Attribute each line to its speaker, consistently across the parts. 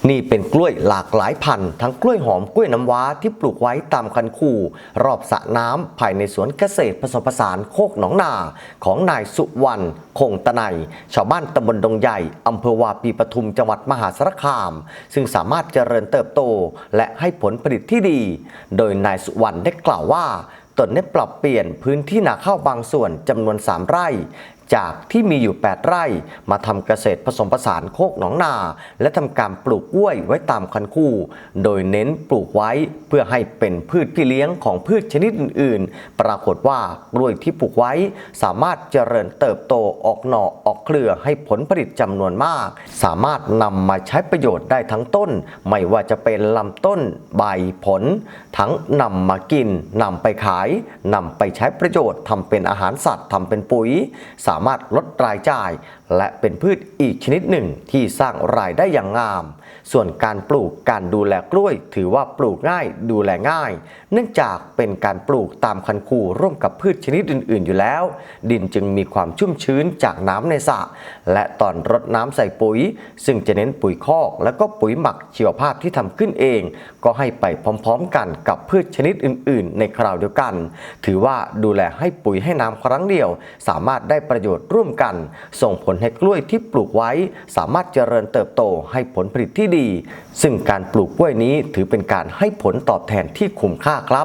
Speaker 1: นี่เป็นกล้วยหลากหลายพันธุ์ทั้งกล้วยหอมกล้วยน้ำว้าที่ปลูกไว้ตามคันคูรอบสระน้ำภายในสวนเกษตรผสมผสานโคกหนองนาของนายสุวรรณคงตะไนชาวบ้านตำบลดงใหญ่อำเภอวาปีปทุมจังหวัดมหาสารคามซึ่งสามารถเจริญเติบโตและให้ผลผลิตที่ดีโดยนายสุวรรณได้กล่าวว่าตนได้ปรับเปลี่ยนพื้นที่นาข้าวบางส่วนจำนวน3 ไร่จากที่มีอยู่8 ไร่มาทำเกษตรผสมผสานโคกหนองนาและทำการปลูกกล้วยไว้ตามคันคูโดยเน้นปลูกไว้เพื่อให้เป็นพืชพี่เลี้ยงของพืชชนิดอื่นๆปรากฏว่ากล้วยที่ปลูกไว้สามารถเจริญเติบโตออกหน่อออกเครือให้ผลผลิตจำนวนมากสามารถนำมาใช้ประโยชน์ได้ทั้งต้นไม่ว่าจะเป็นลำต้นใบผลทั้งนำมากินนำไปขายนำไปใช้ประโยชน์ทำเป็นอาหารสัตว์ทำเป็นปุ๋ยสามารถลดรายจ่ายและเป็นพืชอีกชนิดหนึ่งที่สร้างรายได้อย่างงามส่วนการปลูกการดูแลกล้วยถือว่าปลูกง่ายดูแลง่ายเนื่องจากเป็นการปลูกตามคันคูร่วมกับพืชชนิดอื่นๆอยู่แล้วดินจึงมีความชุ่มชื้นจากน้ำในสระและตอนรดน้ำใส่ปุ๋ยซึ่งจะเน้นปุ๋ยคอกและก็ปุ๋ยหมักชีวภาพที่ทำขึ้นเองก็ให้ไปพร้อมๆกันกับพืชชนิดอื่นๆในคราวเดียวกันถือว่าดูแลให้ปุ๋ยให้น้ำครั้งเดียวสามารถได้ประโยชน์ร่วมกันส่งผลให้กล้วยที่ปลูกไว้สามารถเจริญเติบโตให้ผลผลิตที่ดีซึ่งการปลูกกล้วยนี้ถือเป็นการให้ผลตอบแทนที่คุ้มค่าครับ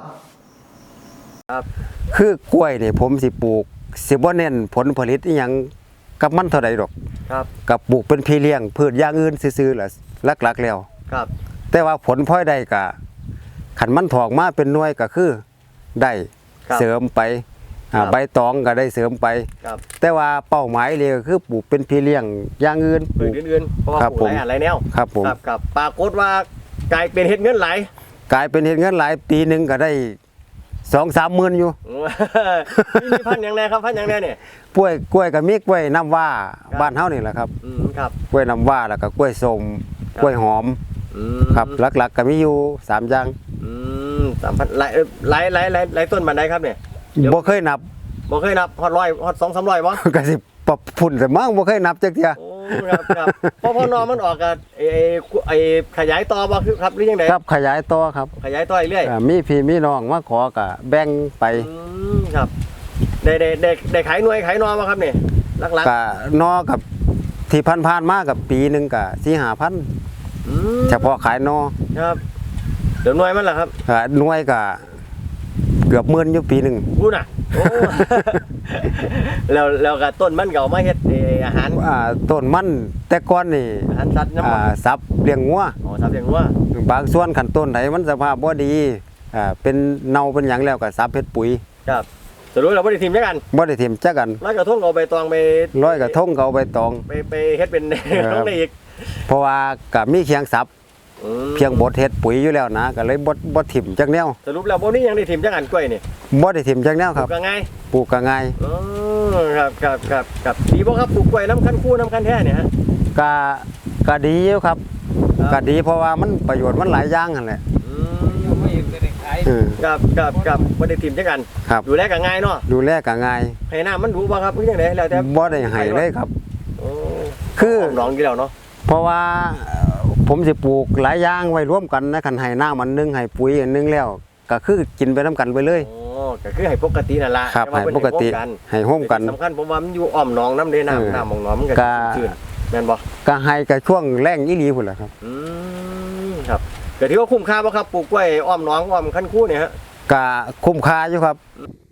Speaker 2: คือกล้วยเนี่ยผมสิปลูกสิบ่เน้นผลผลิตอีหยังกับมันเท่าใดดอก
Speaker 1: ครับ
Speaker 2: กับปลูกเป็นพี่เลี้ยงพืชอย่างอื่นซื่อๆล่ะหลักๆแล้ว
Speaker 1: ครับ
Speaker 2: แต่ว่าผลพลอยได้ก็ขันมันถอกมาเป็นหน่วยก็คือได้เสริมไปใบตองก็ได้เสริมไปแต่ว่าเป้าหมายเลยก็คือปลูกเป็นพี่เลี้ยงอย่างอื่น
Speaker 1: ปลูกอื่นๆเพราะว่าปลูกหลายแนว
Speaker 2: ครับผม
Speaker 1: กับปรากฏว่ากลายเป็นเฮ็ดเงินหลาย
Speaker 2: กลายเป็นเฮ็ดเงินหลายปีนึงก็ได้2-3 หมื่นอยู่
Speaker 1: มีพันอย่างไรครับพันอย่างไรเนี่ย
Speaker 2: กล้วยก็มีกล้วยน้ำว้าบ้านเฮานี่แหละครับ
Speaker 1: ครับ
Speaker 2: กล้วยน้ำว้าแล้วก็กล้วยส้มกล้วยหอมครับหลักๆก็มีอยู่3 อย่าง
Speaker 1: 3,000หลายต้นมันได้ครับเนี่ย
Speaker 2: บ่เคยนับ
Speaker 1: ฮอด100ฮอด200-300บ่
Speaker 2: ก็สิปรับพุ่นแต่มั่งบ่เคยนับจักเที่ย
Speaker 1: โอ้ครับพอนอมันออกกับไอ้ขยายต่อบ่ครับหรือยังไง
Speaker 2: ครับขยายต่อครับ
Speaker 1: ขยายต่อเรื่อย
Speaker 2: มีพี่มีน้องมาขอก็แบ่งไป
Speaker 1: ครับได้ขายหน่วยขายนอบ่ครับนี่หลัก
Speaker 2: ๆก็นอกับที่ผ่านๆมากับปีนึงก็ 4-5,000เฉพาะขายนอ
Speaker 1: ครับเดี๋ยวหน่วยมันล่ะครับ
Speaker 2: หน่วยก็เกือบ10,000อยู่ปีนึง
Speaker 1: พูดน่ะแล้วก็ต้นมันก็เอามาเฮ็ดอาหาร
Speaker 2: ต้นมันแต่ก่อนนี่
Speaker 1: อาหารสัตว์น
Speaker 2: ำสับเลี้ยงงัว
Speaker 1: สับเลี้ยงงัว
Speaker 2: บางส่วนขั้นต้นไหนมันสภาพบ่ดีเป็นเน่าเป็นหยังแล้วก็สับเฮ็ดปุ๋ย
Speaker 1: ครับสรุปเราบ่ได้ทิ่มจักกัน
Speaker 2: บ่ได้ทิ่มจักกัน
Speaker 1: ร้อยกระทงเอาใบตองไป
Speaker 2: ร้อยกระทงเอาใบตอง
Speaker 1: ไปเฮ็ดเป็นต้องได้อีก
Speaker 2: เพราะว่าก็มีเคียงสับเพียงบดเฮ็ดปุ๋ยอยู่แล้วนะก็เลยบ่ถิ่มจักแนว
Speaker 1: สรุปแล้วบ่นี้ยังได้ถิ่มจักอันกล้วยนี่
Speaker 2: บ่ได้ถิ่มจักแนวครับ
Speaker 1: ปลูกก็ง่ายครับดีบ่ครับปลูกกล้วยน้ำคันคู่น้ำคันแท้เนี่ยฮะ
Speaker 2: ก็ดีอยู่ครับก็ดีเพราะว่ามันประโยชน์มันหลายอย่างนั่นแหละ
Speaker 1: ครับบ่ได้ถิ่มจักอันดูแลก็ง่ายเนาะ
Speaker 2: ดูแลก็ง่าย
Speaker 1: ให้น้ำมันดูบ่ครับคือจังได๋แล้วแต่
Speaker 2: บ่ได้ให้เลยครับ
Speaker 1: คือหนองอยู่แล้วเนาะ
Speaker 2: เพราะว่าผมสิปลูกหลายอย่างไว้ร่วมกันนะคันให้น้ำมันนึงให้ปุ๋ยอันนึงแล้วก็คือกินไปน้ำกันไปเลย
Speaker 1: ก็คือให้ปกตินั่นล่ะ
Speaker 2: ครับให้ปกติให้ร่วมกัน
Speaker 1: สำคัญผมว่ามันอยู่อ้อมหนองน้ำเด้น้ำของหนองมันก็ชื้นแม่นบ่
Speaker 2: ก็ให้กับช่วงแล้งอีหลีพุ่นแหละครับ
Speaker 1: ครับก็ถือว่าคุ้มค่าบ่ครับปลูกกล้วยอ้อมหนองอ้อมคันคูเนี่ยฮะ
Speaker 2: ก็คุ้มค่าอยู่ครับ